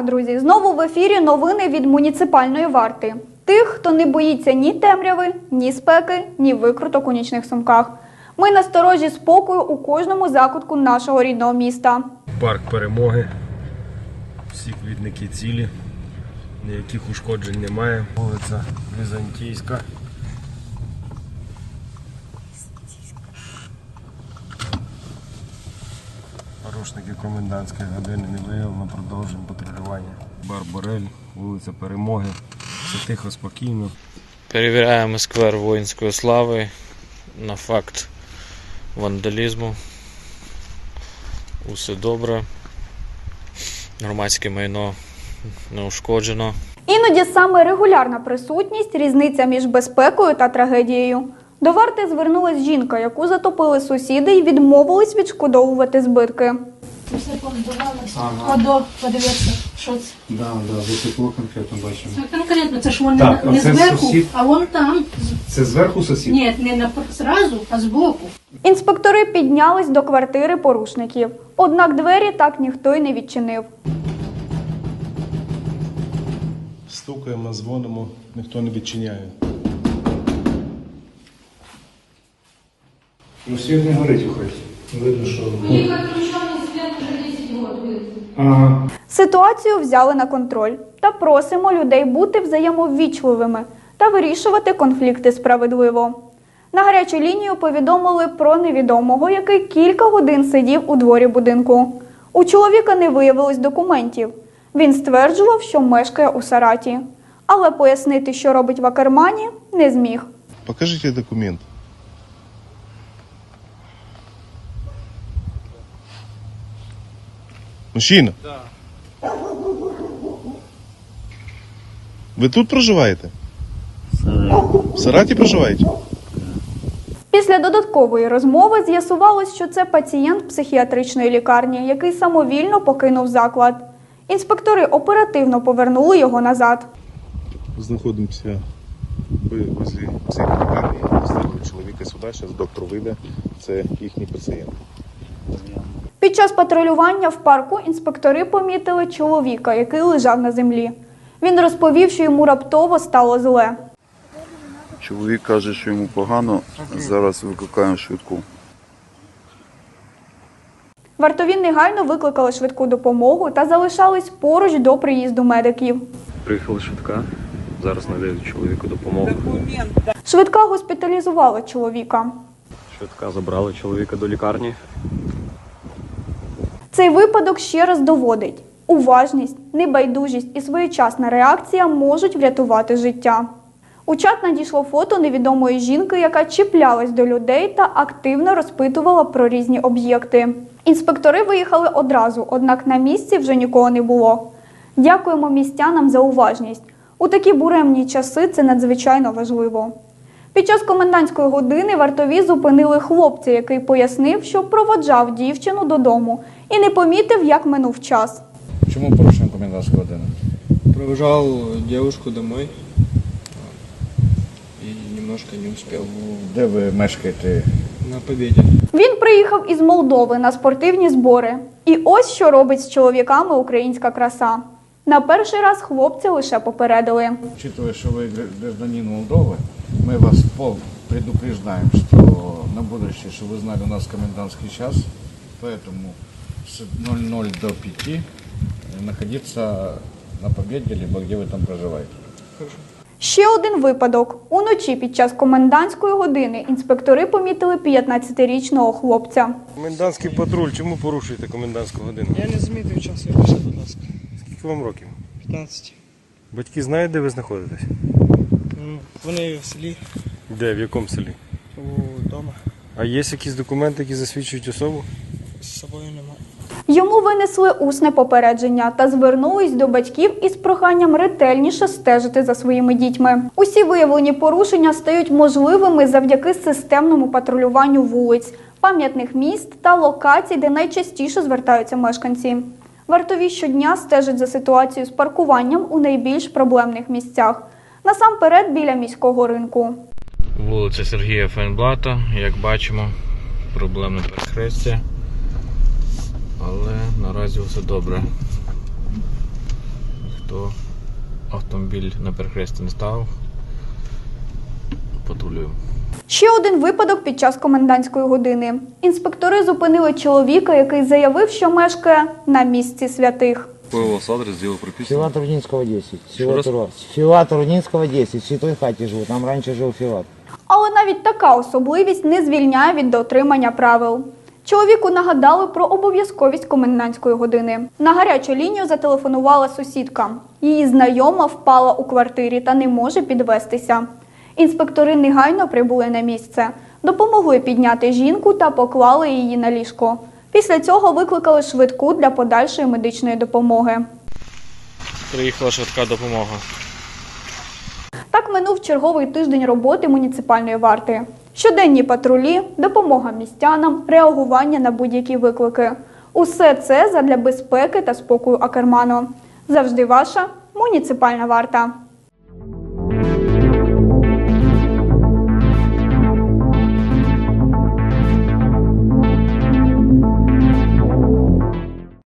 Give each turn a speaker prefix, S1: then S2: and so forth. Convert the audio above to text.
S1: Так, друзі, знову в ефірі новини від муніципальної варти. Тих, хто не боїться ні темряви, ні спеки, ні викруток у нічних сумках. Ми насторожі спокою у кожному закутку нашого рідного міста.
S2: Парк Перемоги. Всі квітники цілі. Ніяких ушкоджень немає. Вулиця Візантійська. Порушників комендантської години не виявлено, продовжуємо патрулювання. Бар Борель, вулиця Перемоги. Все тихо, спокійно.
S3: Перевіряємо сквер воїнської слави на факт вандалізму. Усе добре. Громадське майно не ушкоджено.
S1: Іноді саме регулярна присутність – різниця між безпекою та трагедією. До варти звернулась жінка, яку затопили сусіди і відмовились відшкодовувати збитки.
S4: Все позбивалося. Подивіться, що це.
S5: Да, високо конкретно бачимо.
S4: Конкретно, це ж вони
S5: Так,
S4: не
S5: це
S4: зверху,
S5: сусід?
S4: а вон там.
S5: Це зверху сусід?
S4: Ні, не зразу, а збоку.
S1: Інспектори піднялись до квартири порушників. Однак двері так ніхто й не відчинив.
S2: Стукаємо, дзвонимо, ніхто не відчиняє.
S5: Ну, світ не горить у хаті. Видно, що...
S1: Ситуацію взяли на контроль та просимо людей бути взаємоввічливими та вирішувати конфлікти справедливо. На гарячу лінію повідомили про невідомого, який кілька годин сидів у дворі будинку. У чоловіка не виявилось документів. Він стверджував, що мешкає у Сараті. Але пояснити, що робить в Акермані, не зміг.
S6: Покажите документ. Мужчина? Да. Ви тут проживаєте? В Сараті проживаєте?
S1: Після додаткової розмови з'ясувалось, що це пацієнт психіатричної лікарні, який самовільно покинув заклад. Інспектори оперативно повернули його назад.
S6: Знаходимося возле психлікарні. Доставили чоловіка сюди, зараз доктор вийде. Це їхній пацієнт.
S1: Під час патрулювання в парку інспектори помітили чоловіка, який лежав на землі. Він розповів, що йому раптово стало зле.
S7: Чоловік каже, що йому погано, зараз викликаємо швидку.
S1: Вартові негайно викликали швидку допомогу та залишались поруч до приїзду медиків.
S2: Приїхала швидка, зараз надають чоловіку допомогу.
S1: Швидка госпіталізувала чоловіка.
S2: Швидка забрала чоловіка до лікарні.
S1: Цей випадок ще раз доводить – уважність, небайдужість і своєчасна реакція можуть врятувати життя. У чат надійшло фото невідомої жінки, яка чіплялась до людей та активно розпитувала про різні об'єкти. Інспектори виїхали одразу, однак на місці вже нікого не було. Дякуємо містянам за уважність. У такі буремні часи це надзвичайно важливо. Під час комендантської години вартові зупинили хлопця, який пояснив, що проводжав дівчину додому і не помітив, як минув час.
S8: Чому порушуємо комендантську годину?
S9: Провожал девушку домой и немножко не успел.
S8: Де ви мешкаєте?
S9: На Побєді.
S1: Він приїхав із Молдови на спортивні збори. І ось що робить з чоловіками українська краса. На перший раз хлопця лише попередили.
S8: Учитывая, що ви гражданин Молдови, ми вас предупреждаем, что на будущее, что вы знали, у нас комендантский час, поэтому с 00 до 5 находиться на Побєді, либо где ви там проживаєте.
S9: Хорошо.
S1: Ще один випадок. Уночі під час комендантської години інспектори помітили 15-річного хлопця.
S2: Комендантський патруль, чому порушуєте комендантську годину?
S9: Я не замітив час, я пішов, будь ласка.
S2: Скільки вам років?
S9: 15.
S2: Батьки знають, де ви знаходитесь?
S9: Вони в селі,
S2: Де, в якому селі?
S9: вдома.
S2: А є якісь документи, які засвідчують особу?
S9: З собою немає.
S1: Йому винесли усне попередження та звернулись до батьків із проханням ретельніше стежити за своїми дітьми. Усі виявлені порушення стають можливими завдяки системному патрулюванню вулиць, пам'ятних міст та локацій, де найчастіше звертаються мешканці. Вартові щодня стежать за ситуацією з паркуванням у найбільш проблемних місцях. Насамперед біля міського ринку.
S3: Вулиця Сергія Фейнблата, як бачимо, проблемне перехрестя, але наразі все добре. то автомобіль на перехресті не став. Патрулюємо.
S1: Ще один випадок під час комендантської години. Інспектори зупинили чоловіка, який заявив, що мешкає на місці святих.
S10: Какой у вас адрес, где вы прописаны?
S11: Филат Рудинского 10.
S10: Еще раз?
S11: Филат Рудинского 10. В Святой хаті живу. Там раніше жив Филат.
S1: Але навіть така особливість не звільняє від дотримання правил. Чоловіку нагадали про обов'язковість комендантської години. На гарячу лінію зателефонувала сусідка. Її знайома впала у квартирі та не може підвестися. Інспектори негайно прибули на місце, допомогли підняти жінку та поклали її на ліжко. Після цього викликали швидку для подальшої медичної допомоги.
S3: Приїхала швидка допомога.
S1: Так минув черговий тиждень роботи муніципальної варти. Щоденні патрулі, допомога містянам, реагування на будь-які виклики. Усе це задля безпеки та спокою Акерману. Завжди ваша муніципальна варта.